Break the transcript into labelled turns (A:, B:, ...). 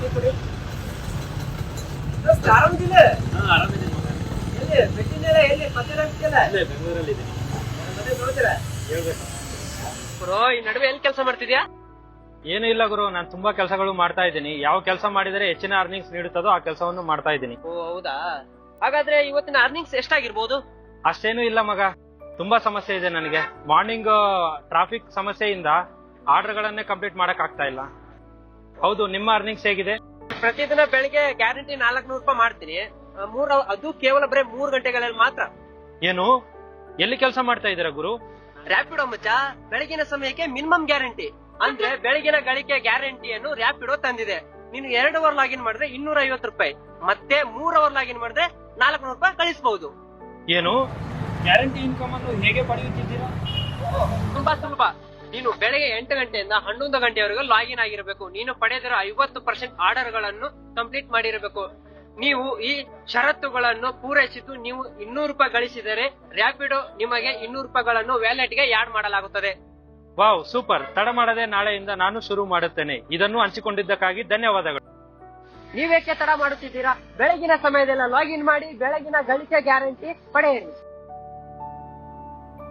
A: ಕೊಡಿ. ಆರಾಮಿದ್ದಿಲ್ಲ?
B: ಆರಾಮಿದ್ದೀನಿ ಮಗ.
A: ಎಲ್ಲಿ ಬಿಟ್ಟಿದ್ದೀರಾ? ಎಲ್ಲಿ ಪತ್ತಿರಲ್ಲ?
B: ಇಲ್ಲೇ ಬೆಂಗಳೂರಲ್ಲಿ ಇದ್ದೀನಿ.
A: ಮತ್ತೆ ನೋಡ್ತೀರಾ?
B: ಹೇಳ್ಬೇಕು.
A: ಬ್ರೋ, ಈ ನಡುವೆ ಎಲ್ಲಿ ಕೆಲಸ ಮಾಡ್ತಿದ್ಯಾ?
B: ಏನು ಇಲ್ಲ ಗುರು, ನಾನು ತುಂಬಾ ಕೆಲಸಗಳು ಮಾಡ್ತಾ ಇದ್ದೀನಿ. ಯಾವ ಕೆಲಸ ಮಾಡಿದರೆ ಹೆಚ್ಚಿನ ಅರ್ನಿಂಗ್ಸ್ ನೀಡುತ್ತದೋ ಆ ಕೆಲಸವನ್ನು ಮಾಡ್ತಾ ಇದ್ದೀನಿ.
A: ಓ ಹೌದಾ? ಹಾಗಾದ್ರೆ ಇವತ್ತಿನ ಅರ್ನಿಂಗ್ಸ್ ಎಷ್ಟಾಗಿರ್ಬೋದು?
B: ಅಷ್ಟೇನು ಇಲ್ಲ ಮಗ, ತುಂಬಾ ಸಮಸ್ಯೆ ಇದೆ ನನಗೆ. ಮಾರ್ನಿಂಗ್ ಟ್ರಾಫಿಕ್ ಸಮಸ್ಯೆಯಿಂದ ಆರ್ಡರ್ ಗಳನ್ನೇ ಕಂಪ್ಲೀಟ್ ಮಾಡಕ್ ಆಗ್ತಾ ಇಲ್ಲ. ಹೌದು, ನಿಮ್ಮ ಅರ್ನಿಂಗ್ಸ್ ಹೇಗಿದೆ?
A: ಪ್ರತಿದಿನ ಬೆಳಿಗ್ಗೆ ಗ್ಯಾರಂಟಿ 400 ರೂಪಾಯಿ ಮಾಡ್ತೀನಿ. ಅದು ಕೇವಲ ಬರೀ 3 ಗಂಟೆಗಳಲ್ಲಿ ಮಾತ್ರ.
B: ಏನು, ಎಲ್ಲಿ ಕೆಲಸ ಮಾಡ್ತಾ ಇದ್ದೀರಾ ಗುರು?
A: ರ್ಯಾಪಿಡೋ ಮಚ್ಚ. ಬೆಳಗಿನ ಸಮಯಕ್ಕೆ ಮಿನಿಮಮ್ ಗ್ಯಾರಂಟಿ ಅಂದ್ರೆ ಬೆಳಗಿನ ಗಳಿಕೆ ಗ್ಯಾರಂಟಿಯನ್ನು ರ್ಯಾಪಿಡೋ ತಂದಿದೆ. ನೀನು 2 ಅವರ್ ಲಾಗಿನ್ ಮಾಡಿದ್ರೆ 250 ರೂಪಾಯಿ, ಮತ್ತೆ 3 ಅವರ್ ಲಾಗಿನ್ ಮಾಡಿದ್ರೆ 400 ರೂಪಾಯಿ ಕಳಿಸಬಹುದು.
B: ಏನು, ಗ್ಯಾರಂಟಿ ಇನ್ಕಮ್ ಅನ್ನು ಹೇಗೆ ಪಡೆಯುತ್ತಿದ್ದೀರಾ?
A: ತುಂಬಾ ಸುಲಭ. ನೀನು ಬೆಳಗ್ಗೆ 8 ಗಂಟೆಯಿಂದ 11 ಗಂಟೆವರೆಗೂ ಲಾಗಿನ್ ಆಗಿರಬೇಕು. ನೀನು ಪಡೆದಿರೋ 50% ಆರ್ಡರ್ ಗಳನ್ನು ಕಂಪ್ಲೀಟ್ ಮಾಡಿರಬೇಕು. ನೀವು ಈ ಷರತ್ತುಗಳನ್ನು ಪೂರೈಸಿದ್ದು ನೀವು 200 ರೂಪಾಯಿ ಗಳಿಸಿದರೆ ರ್ಯಾಪಿಡೋ ನಿಮಗೆ 200 ರೂಪಾಯಿಗಳನ್ನು ವ್ಯಾಲೆಟ್ಗೆ ಆಡ್ ಮಾಡಲಾಗುತ್ತದೆ.
B: Wow, super. ತಡ ಮಾಡದೆ ನಾಳೆಯಿಂದ ನಾನು ಶುರು ಮಾಡುತ್ತೇನೆ. ಇದನ್ನು ಹಂಚಿಕೊಂಡಿದ್ದಕ್ಕಾಗಿ ಧನ್ಯವಾದಗಳು.
A: ನೀವೇಕೆ ತಡ ಮಾಡುತ್ತಿದ್ದೀರಾ? ಬೆಳಗಿನ ಸಮಯದಲ್ಲ ಲಾಗಿನ್ ಮಾಡಿ ಬೆಳಗಿನ ಗಳಿಕೆ ಗ್ಯಾರಂಟಿ ಪಡೆಯಿರಿ.